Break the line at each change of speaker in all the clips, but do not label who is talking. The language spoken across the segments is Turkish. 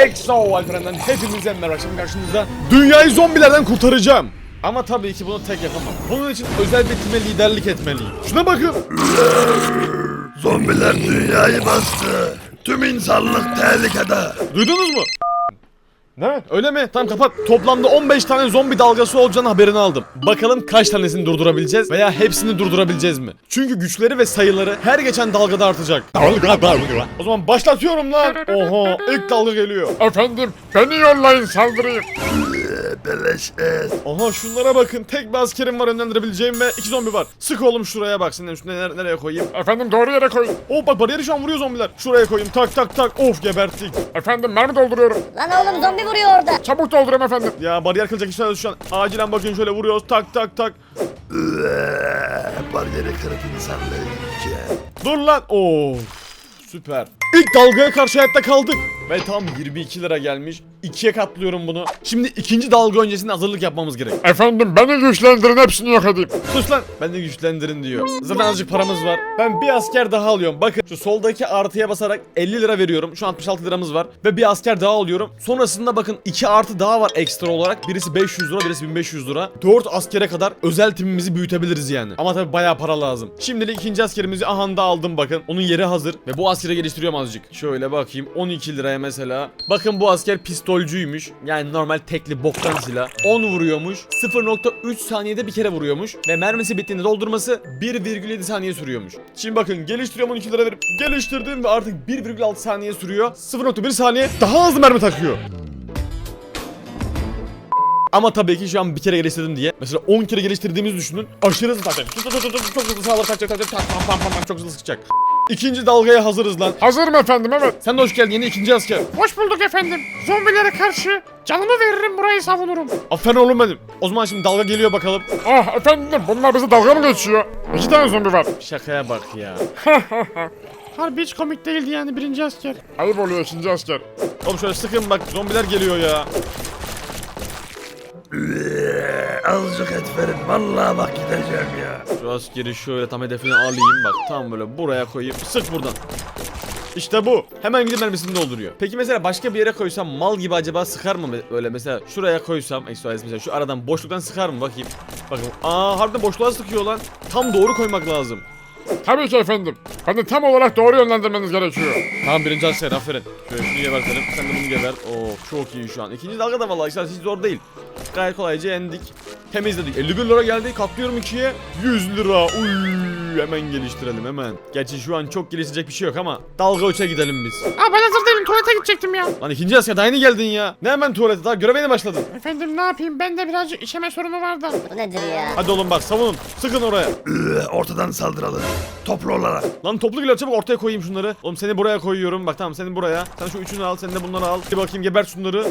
EXO Alperen'den hepinize merhaba. Şimdi karşınızda dünyayı zombilerden kurtaracağım. Ama tabii ki bunu tek yapamam. Bunun için özel bir time liderlik etmeliyim. Şuna bakın.
Zombiler dünyayı bastı. Tüm insanlık tehlikede.
Duydunuz mu? Ne? Öyle mi? Tamam kapat. Toplamda 15 tane zombi dalgası olacağını haberini aldım. Bakalım kaç tanesini durdurabileceğiz veya hepsini durdurabileceğiz mi? Çünkü güçleri ve sayıları her geçen dalgada artacak. O zaman başlatıyorum lan. Oha, ilk dalga geliyor.
Efendim, beni yollayın saldırayım.
Beleş et.
Aha şunlara bakın. Tek bir askerim var yönlendirebileceğim ve 2 zombi var. Sık oğlum şuraya bak. Senin üstüne nereye koyayım?
Efendim doğru yere koyun.
Oh bak bariyeri şu an vuruyor zombiler. Şuraya koyayım. Tak tak tak. Of geberttik.
Efendim mermi dolduruyorum.
Lan oğlum zombi vuruyor orada.
Çabuk doldurun efendim.
Ya bariyer kırılacak işler şu an. Acilen bakın şöyle vuruyoruz. Tak tak tak.
Bariyeri kırıp insanlığı yiyeceğim.
Dur lan. Of. Süper. İlk dalgaya karşı hayatta kaldık. Ve tam 22 lira gelmiş. 2'ye katlıyorum bunu. Şimdi ikinci dalga öncesinde hazırlık yapmamız gerek.
Efendim beni güçlendirin, hepsini yok edeyim.
Sus lan. Ben de güçlendirin diyor. Zaten azıcık paramız var. Ben bir asker daha alıyorum. Bakın şu soldaki artıya basarak 50 lira veriyorum. Şu an 66 liramız var. Ve bir asker daha alıyorum. Sonrasında bakın 2 artı daha var ekstra olarak. Birisi 500 lira, birisi 1500 lira. 4 askere kadar özel timimizi büyütebiliriz yani. Ama tabi bayağı para lazım. Şimdilik ikinci askerimizi ahanda aldım bakın. Onun yeri hazır. Ve bu askere geliştiriyorum azıcık. Şöyle bakayım. 12 liraya mesela. Bakın bu asker pistolcüymüş. Yani normal tekli boktan silah. 10 vuruyormuş. 0.3 saniyede bir kere vuruyormuş. Ve mermisi bittiğinde doldurması 1,7 saniye sürüyormuş. Şimdi bakın geliştiriyorum 12 lira verip geliştirdim ve artık 1,6 saniye sürüyor. 0.1 saniye daha hızlı mermi takıyor. Ama tabii ki şu an bir kere geliştirdim diye. Mesela 10 kere geliştirdiğimizi düşünün. Aşırı hızlı takacak. Çok hızlı sağlar takacak. Çok hızlı sıkacak. İkinci dalgaya hazırız lan.
Hazırım efendim, evet.
Sen de hoş geldin yeni ikinci asker.
Hoş bulduk efendim. Zombilere karşı canımı veririm, burayı savunurum.
Aferin oğlum benim. O zaman şimdi dalga geliyor bakalım.
Ah efendim, bunlar bize dalga mı geçiyor? 2 tane zombi var.
Şakaya bak ya.
Harbi hiç komik değildi yani birinci asker. Ayıp oluyor ikinci asker.
Oğlum şöyle sıkın bak zombiler geliyor ya.
Azıcık et verin. Vallahi bak gideceğim ya.
Şu askeri şöyle tam hedefine alayım bak. Tam böyle buraya koyayım. Sık buradan. İşte bu. Hemen gidip mermisini dolduruyor. Peki mesela başka bir yere koysam mal gibi acaba sıkar mı böyle mesela şuraya koysam mesela şu aradan boşluktan sıkar mı bakayım. Bakın harbiden boşluğa sıkıyor lan. Tam doğru koymak lazım.
Tabii ki efendim. Beni tam olarak doğru yönlendirmeniz gerekiyor.
Tamam birinci asker aferin. Şöyle şunu gebertelim. Sen de bunu geber. Oo çok iyi şu an. İkinci dalga da vallahi işte hiç zor değil. Gayet kolayca yendik. Temizledik. 51 lira geldi. Katlıyorum 2'ye. 100 lira. Uy, hemen geliştirelim hemen. Gerçi şu an çok geliştirecek bir şey yok ama dalga 3'e gidelim biz.
Aa, ben hazır değilim, tuvalete gidecektim ya.
Lan ikinci asker daha yeni geldin ya. Ne hemen tuvalete daha göreve yeni başladın.
Efendim ne yapayım, bende birazcık işeme sorunu var da.
Bu nedir ya?
Hadi oğlum bak savunun. Sıkın oraya.
Ortadan saldıralım. Toplu olarak.
Lan toplu geliyor çabuk ortaya koyayım şunları. Oğlum seni buraya koyuyorum. Bak tamam seni buraya. Sen şu üçünü al sen de bunları al. Bir bakayım gebert şunları.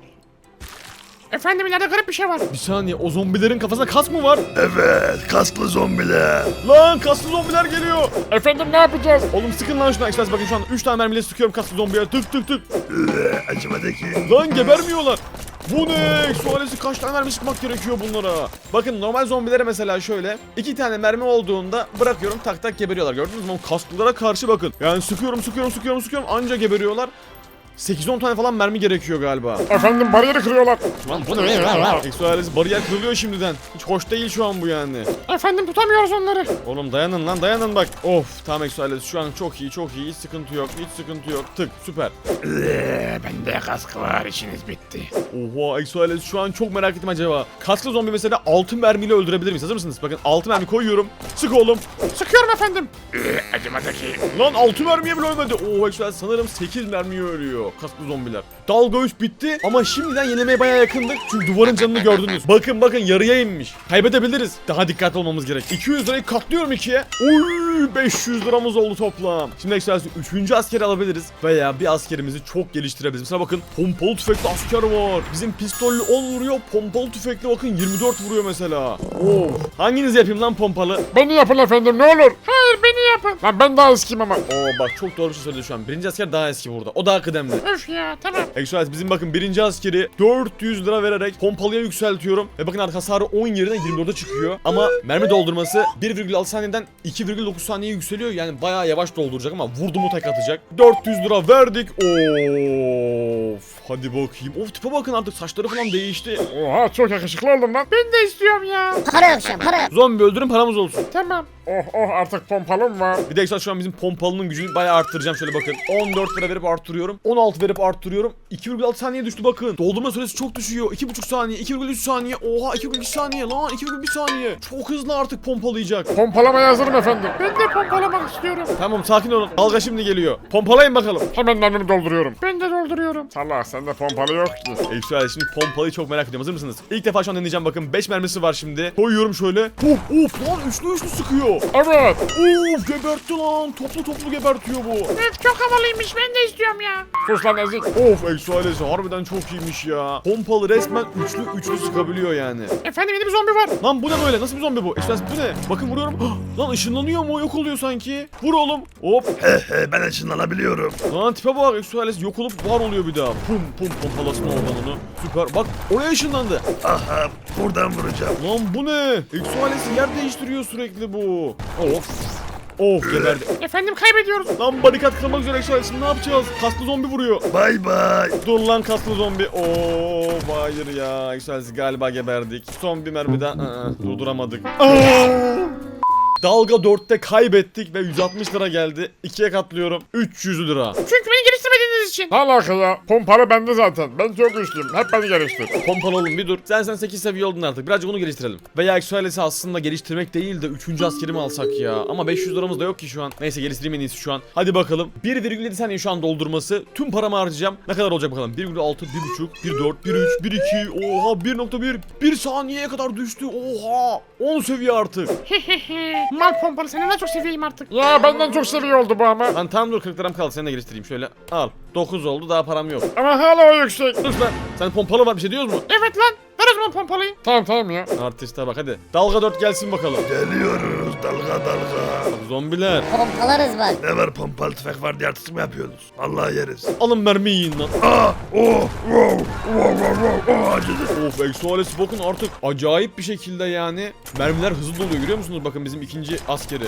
Efendim ileride garip bir şey var.
Bir saniye o zombilerin kafasında kas mı var?
Evet. Kaslı zombiler.
Lan kaslı zombiler geliyor.
Efendim ne yapacağız?
Oğlum sıkın lan şuna. Express bakın şu an 3 tane mermiyle sıkıyorum kaslı zombiye. Tık tık tık.
Acımadı ki.
Lan gebermiyorlar. Bu ne? Sualesi kaç tane mermi sıkmak gerekiyor bunlara? Bakın normal zombilere mesela şöyle 2 tane mermi olduğunda bırakıyorum tak tak geberiyorlar. Gördünüz mü? Kaslılara karşı bakın. Yani sıkıyorum anca geberiyorlar. 8-10 tane falan mermi gerekiyor galiba.
Efendim bariyeri kırıyorlar.
Lan bu ne? Exoalesi bariyer kırılıyor şimdiden. Hiç hoş değil şu an bu yani.
Efendim tutamıyoruz onları.
Oğlum dayanın lan dayanın bak. Of tamam Exoalesi şu an çok iyi hiç sıkıntı yok tık süper.
Bende kask var, işiniz bitti.
Oha Exoalesi şu an çok merak ettim acaba. Kasklı zombi mesela 6 mermiyle öldürebilir miyiz? Hazır mısınız? Bakın 6 mermi koyuyorum. Sık oğlum.
Sıkıyorum efendim. Acımadı ki.
Lan 6 mermiye bile ölmedi. Oo Exoalesi sanırım 8 mermiye ölüyor. Kasklı zombiler. Dalga 3 bitti ama şimdiden yenilemeye bayağı yakındık. Çünkü duvarın canını gördünüz. Bakın yarıya inmiş. Kaybedebiliriz. Daha dikkatli olmamız gerek. 200 lirayı katlıyorum 2'ye. Oy 500 liramız oldu toplam. Şimdi Exoalesi 3. askeri alabiliriz. Veya bir askerimizi çok geliştirebiliriz. Mesela bakın pompalı tüfekli asker var. Bizim pistollü 10 vuruyor. Pompalı tüfekli bakın 24 vuruyor mesela. Of. Hanginiz yapayım lan pompalı?
Beni yapın efendim ne olur. Hayır beni yapın. Lan ben daha eskiyim ama.
Oo bak çok doğru bir şey söyledi şu an. Birinci asker daha eski burada. O daha kıdemli.
Öf ya tamam.
Exoalesi bizim bakın birinci askeri 400 lira vererek pompalıya yükseltiyorum. Ve bakın artık hasarı 10 yerine 24'e çıkıyor. Ama mermi doldurması 1,6 saniyeden 2,9 saniye yükseliyor. Yani bayağı yavaş dolduracak ama vurdu mu tek atacak. 400 lira verdik. Of. Hadi bakayım. Of tipe bakın artık saçları falan değişti.
Oha çok yakışıklı oldum lan. Ben de istiyorum ya.
Para yok şu an para yok.
Zombi öldürün paramız olsun.
Tamam. Oh artık pompalım var.
Bir de şu an bizim pompalının gücünü bayağı arttıracağım. Şöyle bakın. 14 lira verip arttırıyorum. 16 verip arttırıyorum. 2,6 saniye düştü bakın. Doldurma süresi çok düşüyor. 2,5 saniye, 2,3 saniye. Oha 2,2 saniye lan. 2,1 saniye. Çok hızlı artık pompalayacak.
Pompalamaya hazırım efendim. Ben de pompalamak istiyorum.
Tamam sakin olun. Dalga şimdi geliyor. Pompalayın bakalım.
Hemen mermimi dolduruyorum. Ben de dolduruyorum. Salak sende pompalı yok ki.
Şöyle şimdi pompalıyı çok merak ediyorum. Hazır mısınız? İlk defa şu an deneyeceğim bakın. 5 mermisi var şimdi. Koyuyorum şöyle. Of lan üçlü sıkıyor.
Evet.
Of gebertti lan. Toplu gebertiyor bu.
Evet çok havalıymış ben de istiyorum ya. Sus lan ezik.
Of Exoalesi harbiden çok iyiymiş ya. Pompalı resmen üçlü sıkabiliyor yani.
Efendim yeni bir zombi var.
Lan bu ne böyle? Nasıl bir zombi bu? Exoalesi bu ne? Bakın vuruyorum. Lan ışınlanıyor mu? Yok oluyor sanki. Vur oğlum. Hop.
Ben ışınlanabiliyorum.
Lan tipe bak Exoalesi yok olup var oluyor bir daha. Pum pompalasın oradan onu. Süper. Bak oraya ışınlandı.
Aha buradan vuracağım.
Lan bu ne? Exoalesi yer değiştiriyor sürekli bu. Of geberdi.
Efendim kaybediyoruz.
Lan barikat kırmak üzere Exoalesi ne yapacağız? Kaslı zombi vuruyor.
Bay bay.
Dur lan kaslı zombi. Hayır ya. Exoalesi galiba geberdik. Son bir mermi daha. Durduramadık. Dalga 4'te kaybettik ve 160 lira geldi. 2'ye katlıyorum. 300 lira.
Çünkü beni geliştirmediğiniz için. Ne alaka ya? Pompalı bende zaten. Ben çok güçlüyüm. Hep beni geliştir.
Pompalı oğlum bir dur. Sen 8 seviye oldun artık. Birazcık onu geliştirelim. Veya Exoalesi aslında geliştirmek değil de 3. askerimi alsak ya. Ama 500 liramız da yok ki şu an. Neyse geliştireyim en iyisi şu an. Hadi bakalım. 1,7 saniye şu an doldurması. Tüm paramı harcayacağım. Ne kadar olacak bakalım. 1,6, 1,5, 1,4, 1,3, 1,2. Oha 1,1. 1 saniyeye kadar düştü. Oha. 10 seviye artık.
Mal pompalı senden daha çok seviyeyim artık. Ya benden çok seviye oldu bu ama.
Lan tamam dur 40 liram kaldı. Seni de geliştireyim şöyle. Al. 9 oldu daha param yok.
Ama hala o yüksek.
Dur lan. Sen pompalı var bir şey diyoruz mu?
Evet lan. Ver o zaman pompalıyı. Tamam ya.
Artiste bak hadi. Dalga 4 gelsin bakalım.
Geliyoruz dalga.
Zombiler.
Pompalarız bak.
Ne var pompalı tüfek var diye artist mi yapıyorsunuz? Vallahi yeriz.
Alın mermi yiyin lan.
Acıdı.
Of Exoalesi bakın artık acayip bir şekilde yani. Mermiler hızlı doluyor görüyor musunuz? Bakın bizim ikinci askeri.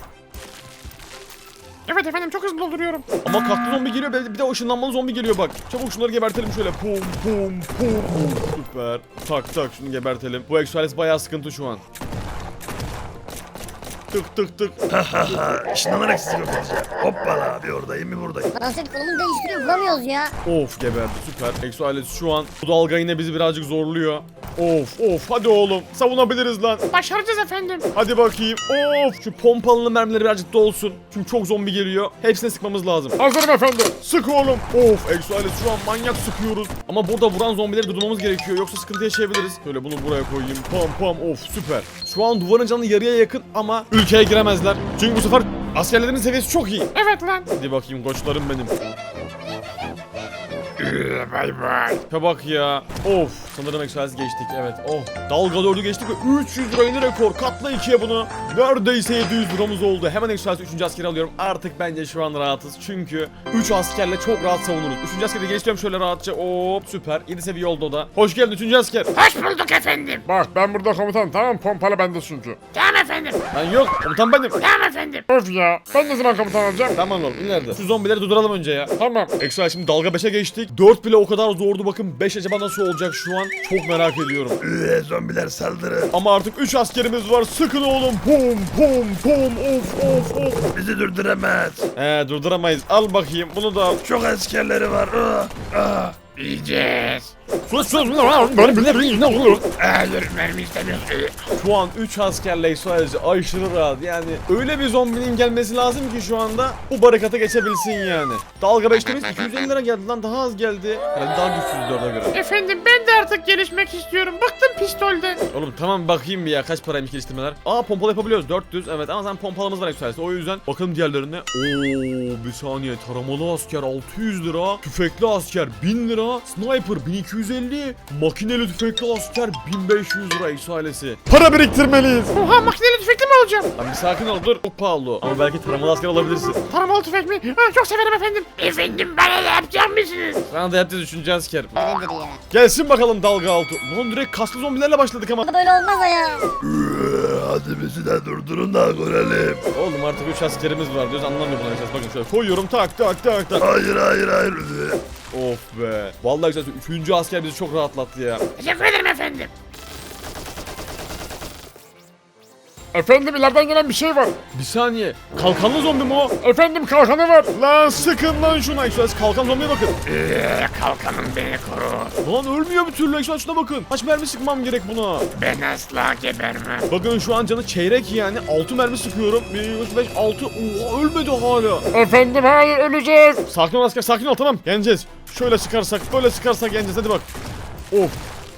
Evet efendim çok hızlı dolduruyorum.
Ama kaslı zombi geliyor bir de o ışınlanmalı zombi geliyor bak. Çabuk şunları gebertelim şöyle. Pum. Süper. Tak şunu gebertelim. Bu Exoalesi bayağı sıkıntı şu an. Tık.
Işınlanarak sizi yok edeceğim. Hoppala bir oradayım bir buradayım.
Transit konumunu değiştiriyor bulamıyoruz ya.
Of geberdi süper. Exoalesi şu an bu dalga yine bizi birazcık zorluyor. Of hadi oğlum savunabiliriz lan.
Başaracağız efendim.
Hadi bakayım. Of şu pompalı mermileri birazcık dolsun. Çünkü çok zombi geliyor. Hepsine sıkmamız lazım.
Hazırım efendim.
Sık oğlum. Of Exoalesi şu an manyak sıkıyoruz. Ama burada vuran zombileri durdurmamız gerekiyor. Yoksa sıkıntı yaşayabiliriz. Şöyle bunu buraya koyayım. Pam. Of süper. Şu an duvarın canı yarıya yakın ama ülkeye giremezler. Çünkü bu sefer askerlerin seviyesi çok iyi.
Evet lan.
Hadi bakayım koçlarım benim.
Bay.
Bak ya. Of. Sanırım Exoalesi geçtik. Evet. Dalga 4'ü geçtik ve 300 lira yeni rekor. Katla 2'ye bunu. Neredeyse 700 liramız oldu. Hemen Exoalesi 3. askeri alıyorum. Artık bence şu an rahatız. Çünkü 3 askerle çok rahat savunuruz. 3. askeri de geliştiriyorum şöyle rahatça. Hop süper. 7 seviye oldu o da. Hoş geldin 3. asker.
Hoş bulduk efendim. Bak ben burada komutanım tamam pompalı bende çünkü. Tamam efendim.
Ben yok. Komutan benim.
Tamam efendim. Of ya. Ben ne zaman komutan olacağım?
Tamam oğlum ileride. Şu zombileri durduralım önce ya.
Tamam.
Exoalesi şimdi dalga 5'e geçtik. 4 bile o kadar zordu bakın. 5 acaba nasıl olacak şu an? Çok merak ediyorum.
Zombiler saldırın.
Ama artık 3 askerimiz var. Sıkın oğlum. Pum. Of.
Bizi durduramaz.
Durduramayız. Al bakayım. Bunu da al.
Çok askerleri var.
Yiyeceğiz.
Sus. Ne olur?
Hayır mermi istemiyorum.
Şu an 3 askerle Exoalesi aşırı rahat. Yani öyle bir zombinin gelmesi lazım ki şu anda bu barikata geçebilsin yani. Dalga 5'temiz 250 lira geldi lan daha az geldi. Herhalde daha güçsüz 4'e göre.
Efendim ben de artık gelişmek istiyorum. Bıktım pistolden.
Oğlum tamam bakayım bir ya kaç paraymış geliştirmeler. Pompalı yapabiliyoruz 400 evet ama sen pompalımız var Exoalesi o yüzden bakalım diğerlerine. Bir saniye taramalı asker 600 lira, tüfekli asker 1000 lira, sniper 1250, makineli tüfekli asker 1500 lira Exoalesi. Para biriktirmeliyiz.
Oha makineli tüfekli mi olacağım?
Lan bir sakin ol dur. Çok pahalı o. Ama belki taramalı asker alabilirsin.
Taramalı tüfek mi? Çok severim efendim. Efendim bana da yapacak mısınız?
Sana da yapacağız 3. asker.
Böyledir ya.
Gelsin bakalım dalga altı. Lan direkt kaslı zombilerle başladık ama.
Böyle olmaz o ya.
Hadi bizi de durdurun da görelim.
Oğlum artık 3 askerimiz var diyoruz anlamıyor bunlar. Bakın şöyle koyuyorum tak.
Hayır.
Of be. Vallahi güzel. 3. asker bizi çok rahatlattı ya.
Teşekkür ederim efendim. Efendim ileriden gelen bir şey var.
Bir saniye. Kalkanlı zombi mi o?
Efendim kalkanı var.
Lan sıkın lan şuna. Exodus kalkan zombiye bakın.
Kalkanım beni koru.
Lan ölmüyor bir türlü. Exodus şuna bakın. Kaç mermi sıkmam gerek buna?
Ben asla gebermem.
Bakın şu an canı çeyrek yani. 6 mermi sıkıyorum. 1, 3, 5, 6. Oha ölmedi hala.
Efendim hayır öleceğiz.
Sakin ol asker, sakin ol, tamam. Yeneceğiz. Şöyle sıkarsak, böyle sıkarsak yeneceğiz. Hadi bak. Of.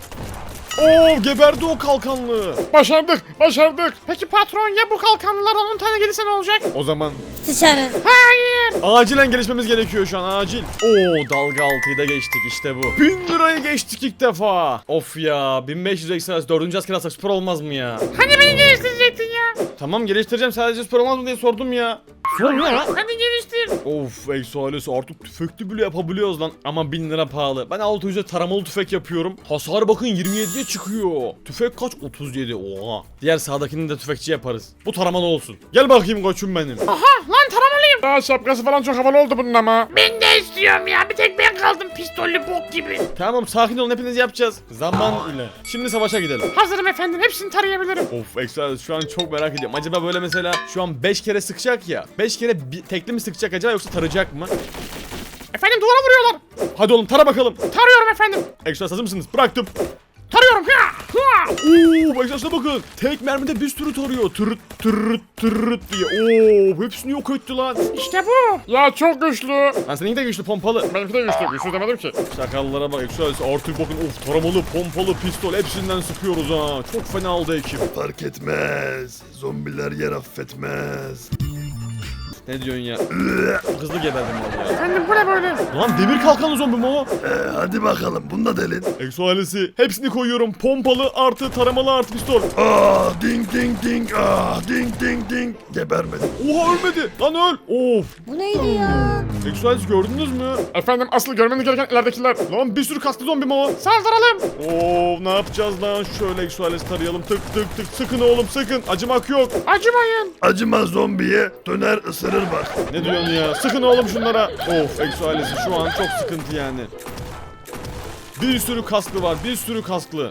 Oo, geberdi o kalkanlı.
Başardık. Peki patron ya bu kalkanlılardan 10 tane gelirse ne olacak?
O zaman
Dışarı.
Hayır.
acilen gelişmemiz gerekiyor şu an, acil. Oo, dalga 6'yı da geçtik, işte bu. 1000 lirayı geçtik ilk defa. Of ya, 1500 ekstra 4. asker alsak spor olmaz mı ya?
Hani beni geliştirecektin ya?
Tamam, geliştireceğim, sadece spor olmaz mı diye sordum ya. Sor ya.
Hadi geliştir.
Of, Exo ailesi artık tüfekli bile yapabiliyoruz lan. Ama 1000 lira pahalı. Ben 600'e taramalı tüfek yapıyorum. Hasar bakın 27'ye çıkıyor. Tüfek kaç? 37. Oha. Diğer sağdakini de tüfekçi yaparız. Bu taramalı olsun. Gel bakayım koçum benim.
Aha lan taramalıyım. Daha şapkası falan çok havalı oldu bunun ama. Ben de istiyorum ya. Bir tek ben kaldım pistollü bok gibi.
Tamam, sakin olun, hepiniz yapacağız. Zaman ile. Şimdi savaşa gidelim.
Hazırım efendim. Hepsini tarayabilirim.
Of, Exo ailesi şu an çok merak ediyorum. Acaba böyle mesela şu an 5 kere sıkacak ya. 5 kere tekli mi sıkacak acaba, yoksa tarayacak mı?
Efendim duvara vuruyorlar.
Hadi oğlum, tara bakalım.
Tarıyorum efendim.
Exo hazır mısınız? Bıraktım.
Tarıyorum. Ha.
Oo, Exo'ya bakın. Tek mermide bir sürü tarıyor. Tırıt tırıt tırıt diye. Oo, hepsini yok etti lan.
İşte bu. Ya çok güçlü.
Lan seninki de güçlü, pompalı.
Benimki de güçlü. Güçlü demedim ki.
Şakallara bak Exo, artık bakın, of, taramalı, pompalı, pistol hepsinden sıkıyoruz ha. Çok fena aldı ekip.
Fark etmez. Zombiler yer affetmez.
Ne diyorsun ya? Hızlı geberdim vallahi.
Efendim bu ne böyle?
Lan demir kalkanlı zombi mi o?
Hadi bakalım bunu da delin.
Exo ailesi hepsini koyuyorum. Pompalı artı taramalı artı pistol.
Ding ding ding. Ding ding ding. Gebermedim.
Oha, ölmedi. Lan öl. Of.
Bu neydi ya?
Exo ailesi gördünüz mü?
Efendim asıl görmeniz gereken ileridekiler.
Lan bir sürü kaslı zombi mi o?
Saldıralım.
Oo, ne yapacağız lan? Şöyle Exo ailesi tarayalım. Tık tık tık. Sıkın oğlum, sıkın. Acımak yok.
Acımayın.
Acıma zombiye döner ısırır bak.
Ne diyorsun ya? Sıkın oğlum şunlara. Of, Exo ailesi şu an çok sıkıntı yani. Bir sürü kasklı var, bir sürü kasklı.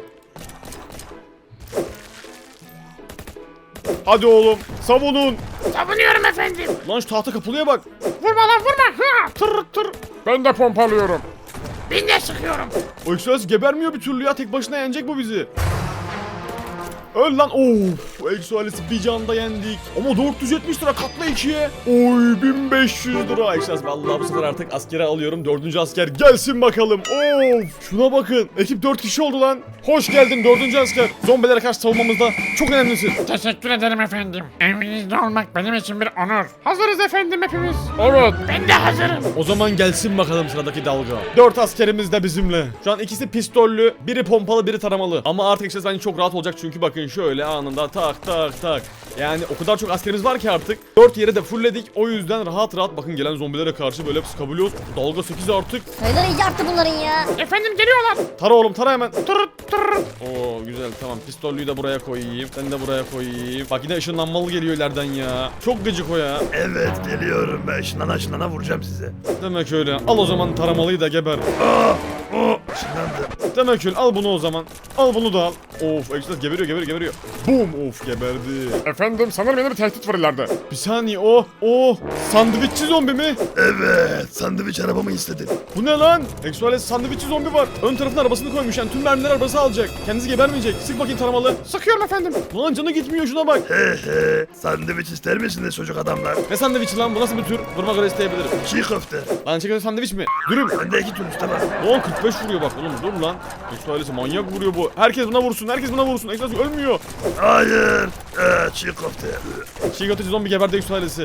Hadi oğlum, savunun.
Savunuyorum efendim.
Lan şu tahta kapılıya bak.
Vurma lan vurma. Ha. Tır. Ben de pompalıyorum. Ben de sıkıyorum.
O Exo ailesi gebermiyor bir türlü ya. Tek başına yenecek bu bizi. Öl lan. Of, Exo ailesi bir canda yendik. Ama 470 lira katla 2'ye. Oy, 1500 lira. Exo ailesi vallahi bu sefer artık askere alıyorum. 4. asker gelsin bakalım. Of, şuna bakın. Ekip 4 kişi oldu lan. Hoş geldin 4. asker. Zombilere karşı savunmamızda çok önemlisin.
Teşekkür ederim efendim. Evinizde olmak benim için bir onur. Hazırız efendim hepimiz. Evet. Ben de hazırım.
O zaman gelsin bakalım sıradaki dalga. 4 askerimiz de bizimle. Şu an ikisi pistollü, biri pompalı, biri taramalı. Ama artık işte bence çok rahat olacak çünkü bakın şöyle anında tak tak tak. Yani o kadar çok askerimiz var ki artık. 4 yere de fullledik. O yüzden rahat rahat bakın gelen zombilere karşı böyle sıkabiliyoruz. Dalga 8 artık.
Sayıları iyice arttı bunların ya.
Efendim geliyorlar.
Tara oğlum, tara hemen.
Tır.
Oo, güzel, tamam. Pistollüyü de buraya koyayım. Sen de buraya koyayım. Bak yine ışınlanmalı geliyor ileriden ya. Çok gıcık o ya.
Evet geliyorum ben. Şınana vuracağım size.
Demek öyle. Al o zaman taramalıyı da geber.
Şınandım.
Demek öyle. Al bunu o zaman. Al bunu da al. Of, Exodus geberiyor. Boom, of, geberdi.
Efendim sanırım yeni bir tehdit var ileride.
Bir saniye, sandviççi zombi mi?
Evet sandviç arabamı istedin.
Bu ne lan? Exodus sandviççi zombi var. Ön tarafına arabasını koymuş yani tüm mermileri arabası alacak. Kendisi gebermeyecek. Sık bakayım taramalı.
Sıkıyorum efendim.
Lan canı gitmiyor, şuna bak.
Sandviç ister misiniz çocuk adamlar?
Ne sandviçi lan, bu nasıl bir tür? Duruma göre isteyebilirim.
Çiğ köfte.
Lan çekiyor sandviç mi? Dürüm.
Bende 2 tür usta var.
Lan 45 vuruyor bak oğlum, dur lan. Exodus manyak vuruyor bu. Herkes buna vursun. Exodus ölmüyor.
Hayır. Çiğ köfte.
Çiğ köfteci zombi geberdi Exodus.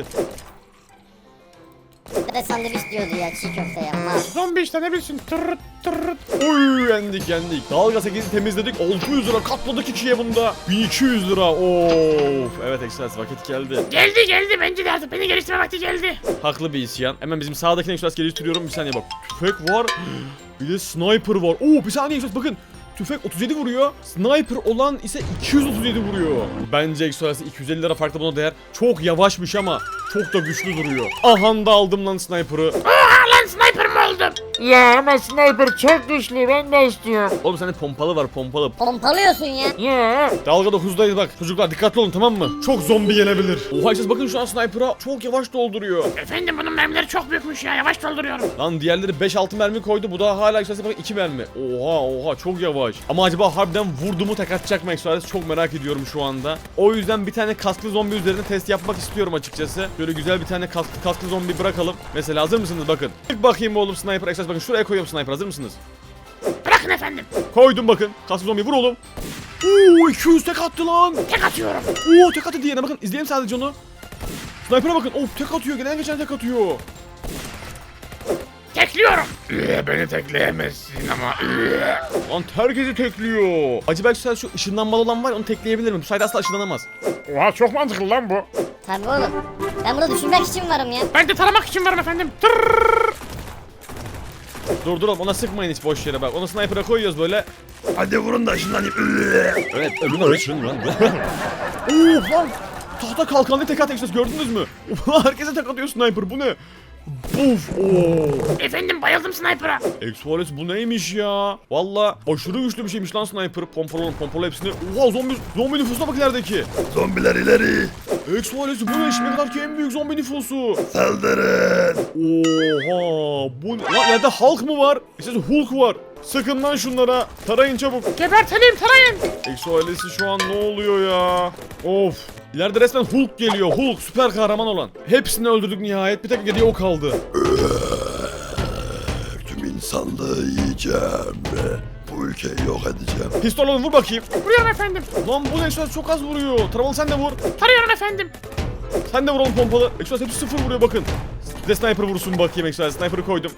Bir de sandviç diyordu ya, çiğ köfte yapma.
Zombi işte ne bilsin. Tır.
Oy, yendik. Dalga 8'i temizledik. 600 lira katladık ikiye bunda. 1200 lira. Of. Evet Exodus, vakit geldi.
Geldi bence de artık beni geliştirme vakti geldi.
Haklı bir isyan. Hemen bizim sağdakine Exodus geliştiriyorum. Bir saniye bak. Tüfek var. Bir de sniper var. Oo, bir saniye Exodus bakın. Tüfek 37 vuruyor. Sniper olan ise 237 vuruyor. Bence Exodus 250 lira farklı buna değer. Çok yavaşmış ama çok da güçlü duruyor. Aha da aldım lan sniper'ı.
Oha lan sniper mı bayıldım. Ya ama sniper çok güçlü, ben de istiyorum.
Oğlum sende pompalı var, pompalı.
Pompalıyorsun ya.
Ya.
Dalga 9'dayız bak. Çocuklar dikkatli olun, tamam mı? Çok zombi gelebilir. Oha siz bakın şu an sniper'a çok yavaş dolduruyor.
Efendim bunun mermileri çok büyükmüş ya, yavaş dolduruyorum.
Lan diğerleri 5-6 mermi koydu. Bu da hala işte bak 2 mermi. Oha çok yavaş. Ama acaba harbiden vurdu mu tek atacak mı Exoales? Çok merak ediyorum şu anda. O yüzden bir tane kasklı zombi üzerinde test yapmak istiyorum açıkçası. Böyle güzel bir tane kasklı zombi bırakalım. Mesela hazır mısınız bakın. İlk bakayım oğlum sniper Exoales, bakın şuraya koyuyorum sniper, hazır mısınız?
Bırakın efendim.
Koydum bakın. Kasklı zombi vur oğlum. Oo 200 tek attı lan.
Tek atıyorum.
Oo tek attı diğerine bakın. İzleyelim sadece onu. Sniper'a bakın. Of tek atıyor. Gelen geçen tek atıyor.
Tekliyorum.
Beni tekleyemezsin ama.
Lan herkesi tekliyor. Acaba Exoales şu ışınlanmalı olan var ya, onu tekleyebilir mi? Bu sayede asla ışınlanamaz.
Oha çok mantıklı lan bu.
Tabii oğlum. Ben burada düşünmek için varım ya.
Ben de taramak için varım efendim. Tırrrr.
Dur oğlum, ona sıkmayın hiç boş yere bak. Onu sniper'a koyuyoruz böyle.
Hadi vurun da ışınlanayım.
Evet öbürüne ışın lan. Oo lan. Tahta kalkanlı tek atıyor gördünüz mü? Herkese tek atıyor sniper, bu ne? Buf ooo.
Efendim bayıldım sniper'a.
Exoales bu neymiş ya? Valla aşırı güçlü bir şeymiş lan sniper. Pompalı oğlum, pompalı hepsini. Oha zombi nüfusuna bak ilerideki.
Zombiler ileri.
Exoales bu ne? Şimdiye kadarki en büyük zombi nüfusu.
Saldırın.
Oha bu ne? Lan nerede Hulk mı var? İşte Hulk var. Sakın lan şunlara. Tarayın çabuk.
Gebertelim, tarayın.
Exoales'i şu an ne oluyor ya? Of. İleride resmen Hulk geliyor. Hulk süper kahraman olan. Hepsini öldürdük nihayet. Bir tek geriye o kaldı.
Tüm insanlığı yiyeceğim. Bu ülkeyi yok edeceğim.
Pistol alın, vur bakayım.
Vuruyorum efendim.
Lan bu Exoales çok az vuruyor. Taramalı sen de vur.
Tarıyorum efendim.
Sen de vur oğlum pompalı. Exoales hepsi 0 vuruyor bakın. Bir de sniper vursun bakayım Exoales. Sniper'ı koydum.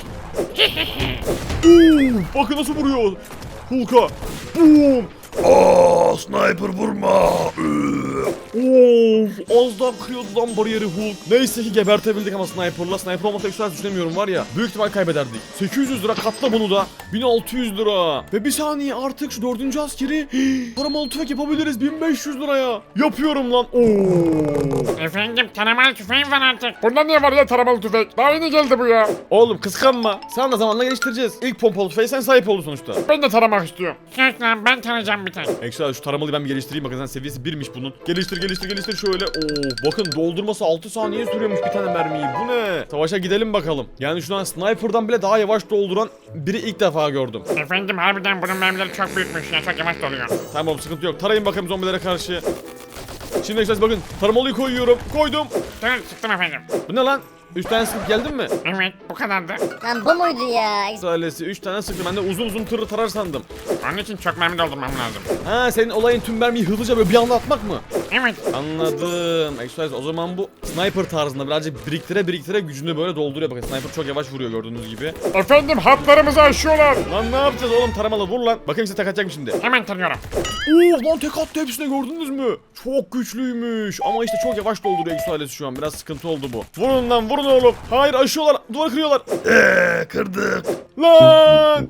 Bakın nasıl vuruyor. Hulk'a. Boom.
Aa, sniper vurma.
Of, az daha kırıyordu lan bariyeri Hulk. Neyse ki gebertebildik ama sniper'la. Sniper olmasa Exoales düşünemiyorum var ya. Büyük ihtimal kaybederdik. 800 lira katla bunu da. 1600 lira. Ve bir saniye artık şu 4. askeri taramalı tüfek yapabiliriz 1500 liraya. Yapıyorum lan. Oo.
Efendim taramalı tüfeğim var artık. Bunda niye var ya taramalı tüfek? Daha yeni geldi bu ya.
Oğlum kıskanma. Sen de zamanla geliştireceğiz. İlk pompalı tüfeğe sen sahip oldun sonuçta.
Ben de taramak istiyorum. Sus lan, ben tanıyacağım bir tek.
Exoales şu taramalıyı ben bir geliştireyim. Bakın sen seviyesi 1'miş bunun. Geliştir şöyle. Oo, bakın doldurması 6 saniye sürüyormuş bir tane mermiyi. Bu ne? Savaşa gidelim bakalım. Yani şu an sniper'dan bile daha yavaş dolduran biri ilk defa gördüm.
Efendim harbiden bunun mermileri çok büyükmüş ya, çok yavaş doluyor.
Tamam sıkıntı yok. Tarayın bakayım zombilere karşı. Şimdi Exoales bakın. Taramalıyı koyuyorum. Koydum.
Dur, sıktım efendim.
Bu ne lan? 3 tane sıkıp geldin mi?
Evet, bu kadardı.
Lan bu muydu ya?
Exoales'i 3 tane sıktım. Ben de uzun tırı tarar sandım.
Onun için çok mermi doldurmam lazım.
Ha senin olayın tüm mermiyi hızlıca böyle bir anda atmak mı?
Evet.
Anladım. Exoales o zaman bu sniper tarzında birazcık biriktire gücünü böyle dolduruyor. Bakın sniper çok yavaş vuruyor gördüğünüz gibi.
Efendim hatlarımızı aşıyorlar.
Lan ne yapacağız oğlum, taramalı vur lan. Bakayım size tek atacak mı şimdi?
Hemen tarıyorum.
Oo lan tek attı hepsine, gördünüz mü? Çok güçlüymüş. Ama işte çok yavaş dolduruyor Exoales şu an. Biraz sıkıntı oldu bu. Vurun lan vurun oğlum. Hayır aşıyorlar. Duvar kırıyorlar.
Kırdık.
Lan!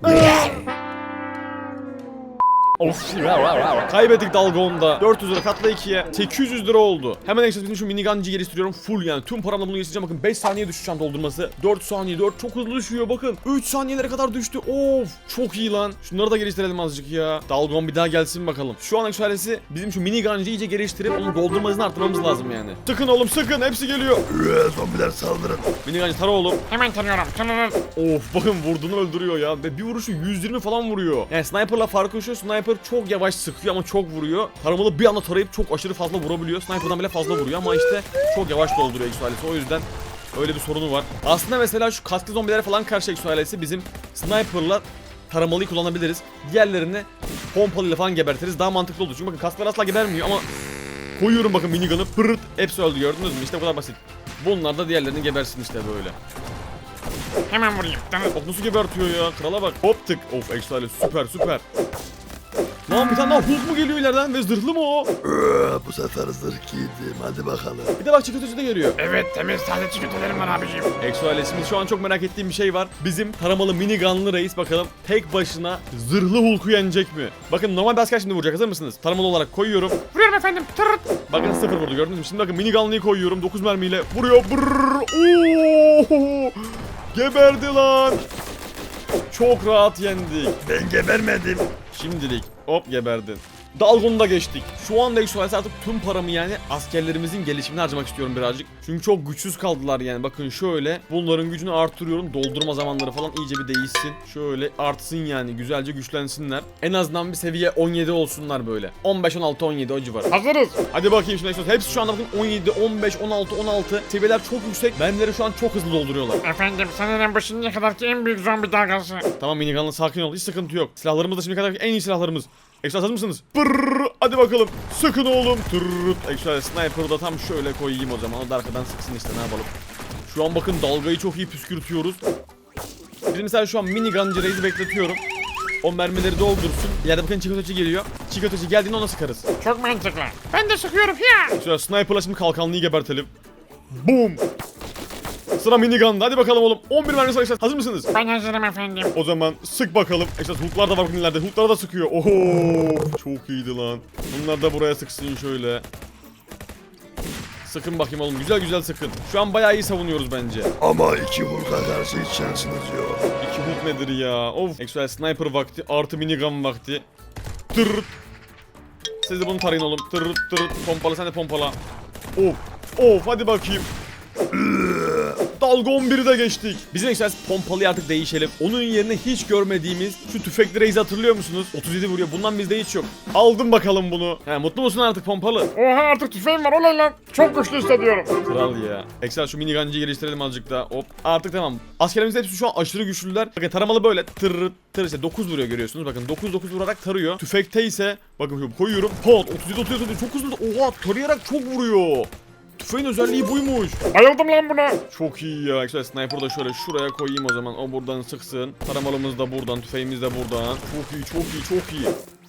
Of. Kaybettik dalga onda. 400 lira katla 2'ye. 800 lira oldu. Hemen ekstra şu minigancı geliştiriyorum. Full yani. Tüm paramla bunu geliştireceğim. Bakın 5 saniye düştü şan doldurması. 4 saniye. 4 çok hızlı düşüyor bakın. 3 saniyelere kadar düştü. Of. Çok iyi lan. Şunları da geliştirelim azıcık ya. Dalgon bir daha gelsin bakalım. Şu an eksualesi bizim şu minigancı iyice geliştirip onun doldurma hızını arttırmamız lazım yani. Sıkın oğlum sıkın. Hepsi geliyor.
Zombiler saldırın.
Minigancı tara oğlum.
Hemen tarıyorum.
Of bakın vurduğunu öldürüyor ya. Ve bir vuruşu 120 falan vuruyor. Yani sniper'la farkı şu. Sniper çok yavaş sıkıyor ama çok vuruyor. Taramalı bir anda tarayıp çok aşırı fazla vurabiliyor. Sniper'dan bile fazla vuruyor ama işte çok yavaş dolduruyor Exoales'i. O yüzden öyle bir sorunu var. Aslında mesela şu kasklı zombilere falan karşı Exoales'i bizim sniper'la taramalıyı kullanabiliriz. Diğerlerini pompalıyla falan gebertiriz. Daha mantıklı olur. Çünkü bakın kasklar asla gebermiyor ama koyuyorum bakın minigun'ı pırırt hepsi öldü, gördünüz mü? İşte bu kadar basit. Bunlar da diğerlerini gebersin işte böyle.
Hemen vurayım.
Bak nasıl gebertiyor ya, krala bak. Hop tık. Of Exoales süper. Lan bir tane daha Hulk mu geliyor ileriden ve zırhlı mı o?
Bu sefer zırh giydim. Hadi bakalım.
Bir de bak çikolatacı da geliyor.
Evet, temiz taze çikolatelerim var abiciğim.
Exoales'imiz şu an çok merak ettiğim bir şey var. Bizim taramalı minigunlı reis bakalım tek başına zırhlı Hulk'u yenecek mi? Bakın normal bir asker şimdi vuracak, hazır mısınız? Taramalı olarak koyuyorum.
Vuruyorum efendim. Tırırt.
Bakın 0 vurdu, gördünüz mü? Şimdi bakın minigunlıyı koyuyorum 9 mermiyle vuruyor. Brrrr. Oo! Geberdi lan. Çok rahat yendik.
Ben gebermedim.
Şimdilik hop geberdin. Dalgon'u da geçtik. Şu anda Exoales artık tüm paramı yani askerlerimizin gelişimine harcamak istiyorum birazcık. Çünkü çok güçsüz kaldılar yani. Bakın şöyle bunların gücünü artırıyorum. Doldurma zamanları falan iyice bir değişsin. Şöyle artsın yani güzelce güçlensinler. En azından bir seviye 17 olsunlar böyle. 15, 16, 17 o civar.
Hazırız.
Hadi bakayım şimdi Exoales. Hepsi şu anda bakın 17, 15, 16, 16. Seviyeler çok yüksek. Benleri şu an çok hızlı dolduruyorlar.
Efendim sanırım bu şimdiye kadarki en büyük zombi dalgası.
Tamam minigunla sakin ol. Hiç sıkıntı yok. Silahlarımız da şimdiye kadar en iyi silahlarımız. Exoales hazır mısınız? Pırrrr, hadi bakalım. Sıkın oğlum. Tırrrrt. Exoales sniper'ı da tam şöyle koyayım o zaman. O da arkadan sıksın işte ne yapalım. Şu an bakın dalgayı çok iyi püskürtüyoruz. Biz mesela şu an minigun Reis'i bekletiyorum. O mermileri doldursun. İleride bakın çikotoçi geliyor. Çikotoçi geldiğinde ona sıkarız.
Çok mantıklı. Ben de sıkıyorum ya.
Şöyle sniper'la şimdi kalkanlıyı gebertelim. Boom. Sıra minigun'da. Hadi bakalım oğlum. 11 mermisi var Exoales. Hazır mısınız?
Ben hazırım efendim.
O zaman sık bakalım. Exoales hooklar da var bakın ileride. Hooklara da sıkıyor. Oho. Çok iyiydi lan. Bunlar da buraya sıksın şöyle. Sıkın bakayım oğlum. Güzel güzel sıkın. Şu an bayağı iyi savunuyoruz bence.
Ama iki Hulk'a karşı hiç şansınız yok.
İki hook nedir ya? Of. Exoales sniper vakti artı minigun vakti. Tırırt. Siz de bunu tarayın oğlum. Tırırt tırırt. Pompala sen de pompala. Of. Of hadi bakayım. Dalga 11'i de geçtik. Bizim Exoales pompalıyı artık değişelim. Onun yerine hiç görmediğimiz şu tüfekli Reis'i hatırlıyor musunuz? 37 vuruyor. Bundan bizde hiç yok. Aldım bakalım bunu. He, mutlu musun artık pompalı?
Oha artık tüfeğim var olay lan. Çok güçlü hissediyorum.
Kral ya. Exoales şu minigancıyı geliştirelim azıcık daha. Hop. Artık tamam. Askerlerimizin hepsi şu an aşırı güçlüler. Bakın taramalı böyle. Tırırıt tır işte 9 vuruyor görüyorsunuz. Bakın 9 vurarak tarıyor. Tüfekte ise bakın şu koyuyorum. Pat 37 çok hızlı. Oha tarayarak çok vuruyor. Tüfeğin özelliği buymuş.
Bayıldım lan buna.
Çok iyi ya. Exoales sniper'ı da şöyle şuraya koyayım o zaman. O buradan sıksın. Taramalımız da buradan. Tüfeğimiz de buradan. Çok iyi çok iyi çok iyi.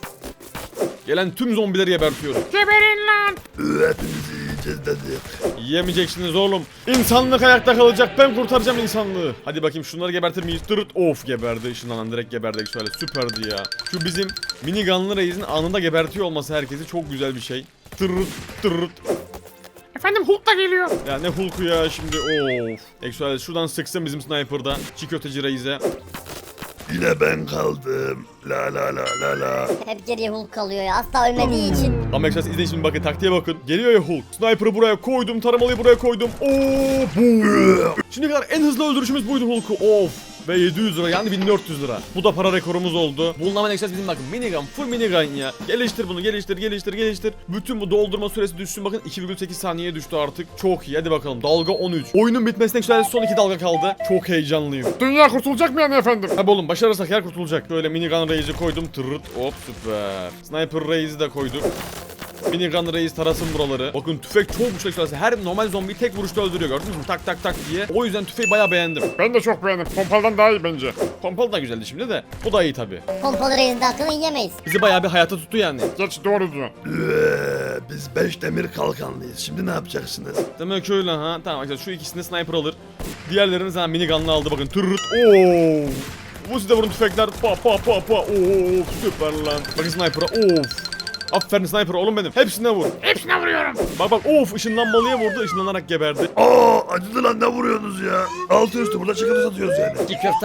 Gelen tüm zombileri gebertiyorum.
Geberin lan.
Hepinizi yiyeceğiz dedik.
Yiyemeyeceksiniz oğlum. İnsanlık ayakta kalacak. Ben kurtaracağım insanlığı. Hadi bakayım şunları gebertir miyiz? Tırırt. Of geberdi. Işınlanan direkt geberdi Exoales. Süperdi ya. Şu bizim minigunlı Reis'in anında gebertiyor olması herkesi çok güzel bir şey. Tırırt tırırt.
Efendim Hulk da geliyor.
Ya ne Hulk'u ya şimdi of. Exoales şuradan sıksın bizim sniper'da. Çiğ köfteci Reis'e.
Yine ben kaldım. La la la la la.
Hep geriye Hulk kalıyor ya. Asla ölmediği için.
Ama Exoales izleyin şimdi bakın taktiğe bakın. Geliyor ya Hulk. Sniper'ı buraya koydum. Taramalıyı buraya koydum. Oo, boom. Şimdiye kadar en hızlı öldürüşümüz buydu Hulk'u. Of. Ve 700 lira yani 1400 lira. Bu da para rekorumuz oldu. Bunun hemen Exoales bizim bakın minigun full minigun ya. Geliştir bunu geliştir. Bütün bu doldurma süresi düşsün bakın 2,8 saniyeye düştü artık. Çok iyi hadi bakalım dalga 13. Oyunun bitmesine Exoales son 2 dalga kaldı. Çok heyecanlıyım.
Dünya kurtulacak mı yani efendim?
Tabi oğlum başarırsak yer kurtulacak. Böyle minigun Reis'i koydum tırırt hop süper. Sniper Reis'i de koyduk. Minigun Reis tarasın buraları. Bakın tüfek çok güçlü Exoales. Her normal zombiyi tek vuruşta öldürüyor gördünüz mü? Tak tak tak diye. O yüzden tüfeği bayağı beğendim.
Ben de çok beğendim. Pompaldan daha iyi bence.
Pompalı da güzeldi şimdi de. Bu da iyi tabi.
Pompalı Reis'in de hakkını yiyemeyiz.
Bizi bayağı bir hayata tuttu yani.
Geç doğru diyor.
Biz 5 demir kalkanlıyız. Şimdi ne yapacaksınız?
Demek öyle ha. Tamam arkadaşlar şu ikisini sniper alır. Diğerlerini zaten minigunla aldı bakın. Tırırt. Oo. Bu size vurun tüfekler. Pa pa pa pa. Oo süper lan. Bakın sniper'a. Of. Aferin sniper oğlum benim. Hepsine vur.
Hepsine vuruyorum.
Bak bak of ışınlanmalıya vurdu. Işınlanarak geberdi.
Aa, acıdı lan, ne vuruyorsunuz ya? Altı üstü burada çikolata satıyoruz yani.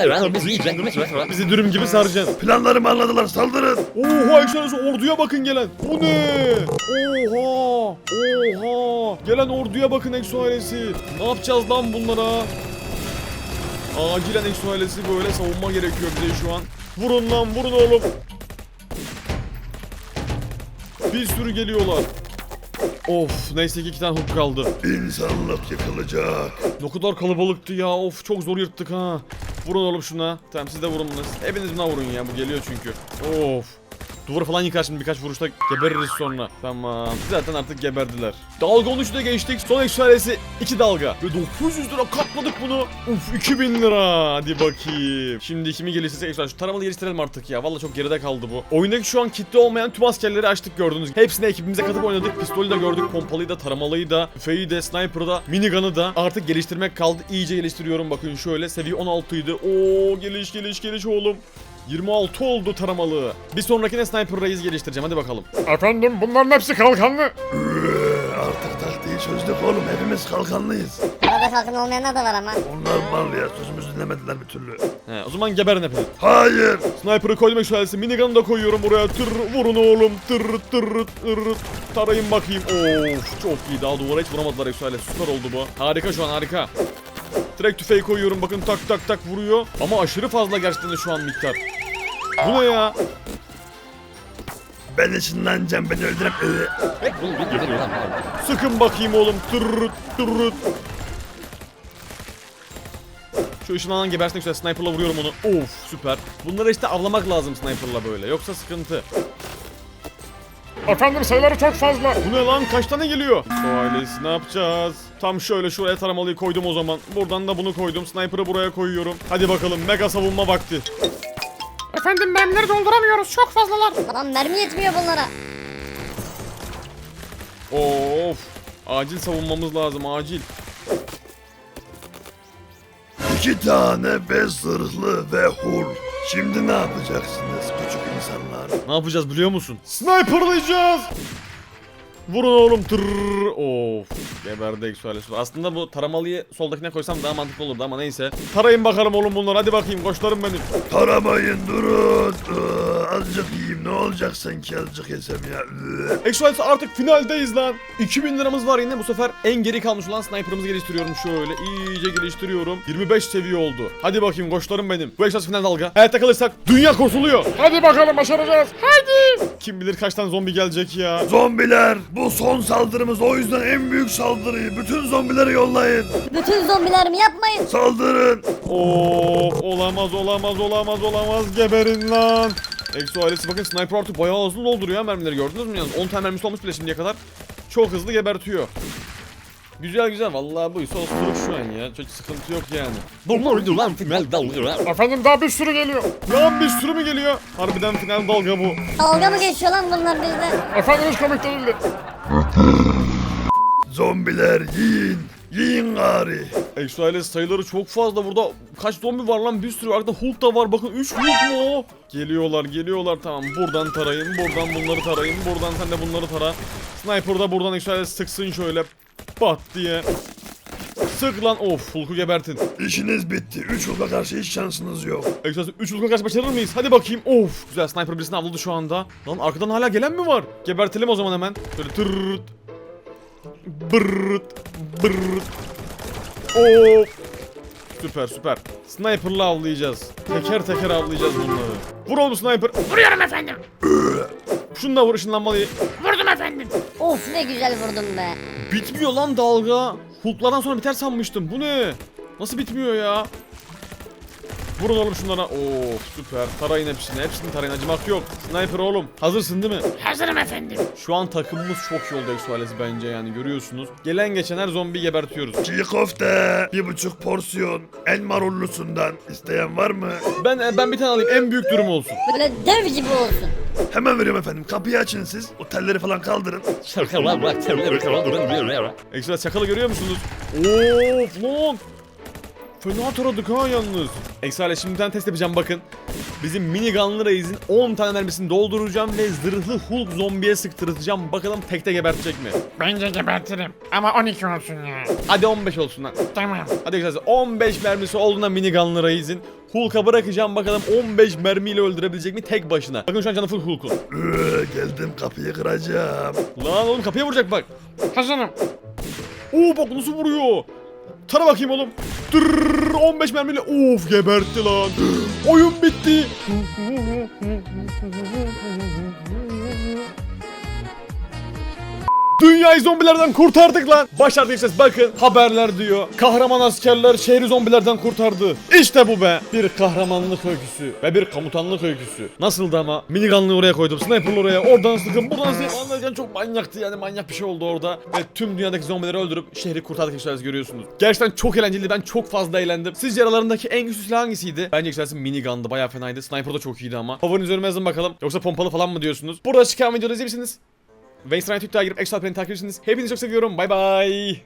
Bizi dürüm gibi saracaksın.
Planlarımı anladılar, saldırın.
Oha Exoales orduya bakın gelen. Bu ne? Oha. Oha. Gelen orduya bakın Exoales'i. Ne yapacağız lan bunlara? Acilen Exoales'i böyle savunma gerekiyor bize şu an. Vurun lan vurun oğlum. Bir sürü geliyorlar. Of neyse ki 2 tane hook kaldı.
İnsanlık yıkılacak.
Ne kadar kalabalıktı ya. Of çok zor yırttık ha. Vurun oğlum şuna. Tamam siz de vurun bunu. Hepiniz buna vurun ya. Bu geliyor çünkü. Of. Duvarı falan yıkar şimdi birkaç vuruşta gebeririz sonra. Tamam. Zaten artık geberdiler. Dalga 13'ü de geçtik. Son Exoales'i 2 dalga. Ve 900 lira katladık bunu. Uf 2000 lira. Hadi bakayım. Şimdi kimi geliştirsek Exoales. Şu taramalı geliştirelim artık ya. Vallahi çok geride kaldı bu. Oyundaki şu an kitle olmayan tüm askerleri açtık gördüğünüz gibi. Hepsini ekibimize katıp oynadık. Pistolü de gördük. Pompalıyı da, taramalıyı da, tüfeği de, sniper'ı da, minigun'ı da. Artık geliştirmek kaldı. İyice geliştiriyorum. Bakın şöyle. Seviye 16 idi. Oo geliş oğlum. 26 oldu taramalı. Bir sonrakine Sniper Reis geliştireceğim. Hadi bakalım.
Efendim bunların hepsi kalkanlı.
Artık taktiği çözdük oğlum, hepimiz kalkanlıyız.
Arada Yukarıda kalkın olmayanlar da var ama.
Onlar mal ya, sözümüzü dinlemediler bir türlü.
He, o zaman geberin hepiniz.
Hayır.
Sniper'ı koydum eksualesi. Minigun'u da koyuyorum buraya. Tır vurun oğlum. Tır tır tır. Tarayın bakayım. Of çok iyi. Daha duvara hiç vuramadılar eksualesi. Süper oldu bu. Harika şu an harika. Direkt tüfeği koyuyorum. Bakın tak tak tak vuruyor. Ama aşırı fazla gerçekten de şu an miktar. Bu ne ya?
Ben ışınlanacağım, beni öldürem.
Sıkın bakayım oğlum. Tırrıt tırrıt. Şu ışınlanan gebersin güzel. Sniper'la vuruyorum onu. Of süper. Bunları işte avlamak lazım sniper'la böyle. Yoksa sıkıntı.
Efendim sayıları çok fazla.
Bu ne lan? Kaç tane geliyor? Ailesi ne yapacağız? Tam şöyle şuraya taramalıyı koydum o zaman. Buradan da bunu koydum. Sniper'ı buraya koyuyorum. Hadi bakalım mega savunma vakti.
Efendim mermileri dolduramıyoruz. Çok fazlalar.
Lan mermi yetmiyor bunlara.
Of. Acil savunmamız lazım acil.
2 tane ve zırhlı ve hul. Şimdi ne yapacaksınız küçük insanlar?
Ne yapacağız biliyor musun? Sniper'layacağız. Vurun oğlum tırrrr. Of. Geberdi eksualesi. Aslında bu taramalıyı soldakine koysam daha mantıklı olurdu ama neyse. Tarayın bakalım oğlum bunları. Hadi bakayım koçlarım benim.
Taramayın, durun. Azıcık yiyeyim, ne olacak sanki azıcık yesem ya.
Eksualesi artık finaldeyiz lan. 2000 liramız var yine. Bu sefer en geri kalmış olan sniper'ımızı geliştiriyorum şöyle. İyice geliştiriyorum. 25 seviye oldu. Hadi bakayım koçlarım benim. Bu eksualesi final dalga. Hayatta kalırsak dünya kurtuluyor.
Hadi bakalım başaracağız. Hadi.
Kim bilir kaç tane zombi gelecek ya.
Zombiler, bu son saldırımız, o yüzden en büyük saldırıyı bütün zombileri yollayın.
Bütün zombiler mi yapmayın?
Saldırın.
Of olamaz geberin lan. Exo ailesi bakın sniper artık bayağı hızlı dolduruyor mermileri gördünüz mü yalnız 10 tane mermisi olmuş bile şimdiye kadar. Çok hızlı gebertiyor. Güzel vallahi buysa osuruk şu an ya çok sıkıntı yok yani.
Efendim daha bir sürü geliyor.
Lan bir sürü mü geliyor? Harbiden final dalga bu.
Dalga mı geçiyor lan bunlar bizle?
Efendim hiç komik değildi.
Zombiler yiyin. Yiyin gari.
Exo ailesi sayıları çok fazla burada. Kaç zombi var lan bir sürü. Arkada Hulk da var bakın 3 Hulk mu o? Geliyorlar tamam buradan tarayın buradan bunları tarayın. Buradan sen de bunları tara. Sniper da buradan Exo ailesi sıksın şöyle. Pat diye. Sık lan of Hulk'u gebertin.
İşiniz bitti. 3 Hulk'a karşı hiç şansınız yok.
Exo 3 Hulk'a karşı başarır mıyız? Hadi bakayım. Of güzel sniper birisini avladı şu anda. Lan arkadan hala gelen mi var? Gebertelim o zaman hemen. Şöyle tırırt. Bırırt. Bırırt. Of. Süper. Sniper'la avlayacağız. Teker avlayacağız bunları. Vur oğlum sniper.
Vuruyorum efendim.
Şunu da vur ışınlanmalıyı.
Vurdum efendim.
Of ne güzel vurdum be.
Bitmiyor lan dalga. Hulk'lardan sonra biter sanmıştım. Bu ne? Nasıl bitmiyor ya? Vurun oğlum şunlara. Of süper. Tarayın hepsini. Hepsini tarayın. Acımak yok. Sniper oğlum. Hazırsın değil mi?
Hazırım efendim.
Şu an takımımız çok iyi oldu Exo ailesi bence yani görüyorsunuz. Gelen geçen her zombi gebertiyoruz.
Çiğ köfte. 1,5 porsiyon. En marullusundan. İsteyen var mı?
Ben bir tane alayım. En büyük durum olsun.
Böyle dev gibi olsun.
Hemen veriyorum efendim. Kapıyı açın siz. O telleri falan kaldırın.
Ekstra çakalı görüyor musunuz? Of lan. Fena taradık ha yalnız. Ekstra şimdiden test yapacağım bakın. Bizim minigunlı reis'in 10 tane mermisini dolduracağım ve zırhlı Hulk zombiye sıktırtacağım. Bakalım tekte gebertecek mi?
Bence gebertirim. Ama 12 olsun ya.
Hadi 15 olsun lan.
Tamam.
Hadi ekstra 15 mermisi olduğunda minigunlı reis'in Hulk'a bırakacağım bakalım 15 mermiyle öldürebilecek mi tek başına. Bakın şu an canı full Hulk'un.
Geldim, kapıyı kıracağım.
Lan oğlum kapıya vuracak bak.
Hazırım.
Oo bak nasıl vuruyor. Tara bakayım oğlum. Tırrrr, 15 mermiyle. Of gebertti lan. Oyun bitti. Dünyayı zombilerden kurtardık lan. Başardık işte bakın haberler diyor. Kahraman askerler şehri zombilerden kurtardı. İşte bu be. Bir kahramanlık öyküsü ve bir komutanlık öyküsü. Nasıldı ama? Minigun'ı oraya koydum. Sniper'ı oraya. Oradan sıkın buradan sıkın. Anlayacağın çok manyaktı yani manyak bir şey oldu orada. Ve tüm dünyadaki zombileri öldürüp şehri kurtardık işte görüyorsunuz. Gerçekten çok eğlenceliydi. Ben çok fazla eğlendim. Sizce aralarındaki en güçlü silah hangisiydi? Bence yükselsin minigun'dı. Bayağı fenaydı. Sniper da çok iyiydi ama. Favoriniz üzerime yazın bakalım. Yoksa pompalı falan mı diyorsunuz? Burada çıkan videoda izleyebilirsiniz. Ve Instagram Twitter'a girip Extra Planet'i takip ediyorsunuz. Hepinizi çok seviyorum. Bay bay.